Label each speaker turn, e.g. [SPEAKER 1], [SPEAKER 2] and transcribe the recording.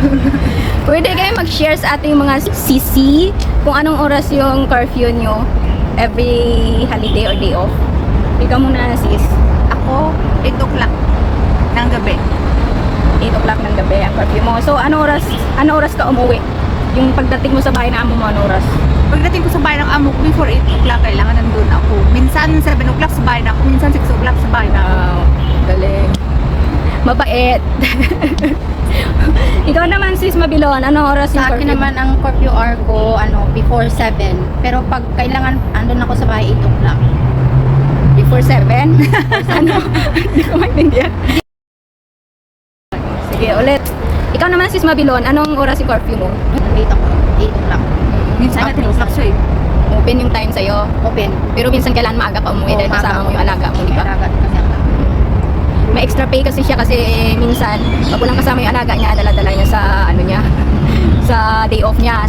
[SPEAKER 1] Pwede kayo mag-share sa ating mga CC kung anong oras yung curfew nyo every holiday or day off. Ikaw muna, sis.
[SPEAKER 2] Ako, 8 o'clock ng gabi.
[SPEAKER 1] 8 o'clock ng gabi ang curfew mo. So, ano oras ka umuwi? Yung pagdating mo sa bahay na amo mo, ano oras?
[SPEAKER 2] Pagdating ko sa bahay ng amo ko, before 8 o'clock, kailangan nandun ako. Minsan 7 o'clock sa bahay na ako, minsan 6 o'clock sa bahay na ako.
[SPEAKER 1] Wow, galing. Mabait. Ikaw naman, sis Mabilon, anong oras yung
[SPEAKER 3] Sa akin
[SPEAKER 1] curfew?
[SPEAKER 3] naman ang curfew hour ko before 7. Pero pag kailangan andun ako sa bahay 8 o'clock.
[SPEAKER 1] Before 7? Ano? Hindi ko maintindihan. Sige, ulit. Ikaw naman, sis Mabilon, anong oras yung curfew mo?
[SPEAKER 3] 8 o'clock.
[SPEAKER 2] Minsan 10 o'clock siya eh.
[SPEAKER 1] Open yung time sa'yo.
[SPEAKER 3] Open.
[SPEAKER 1] Pero minsan kailan maaga pa umuwi dahil kasama mo yung alaga mo, di ba?
[SPEAKER 3] Alaga kasi ako.
[SPEAKER 1] May extra pay kasi siya kasi minsan pag walang kasama yung alaga niya, dala-dala niya sa ano niya, sa day off niya.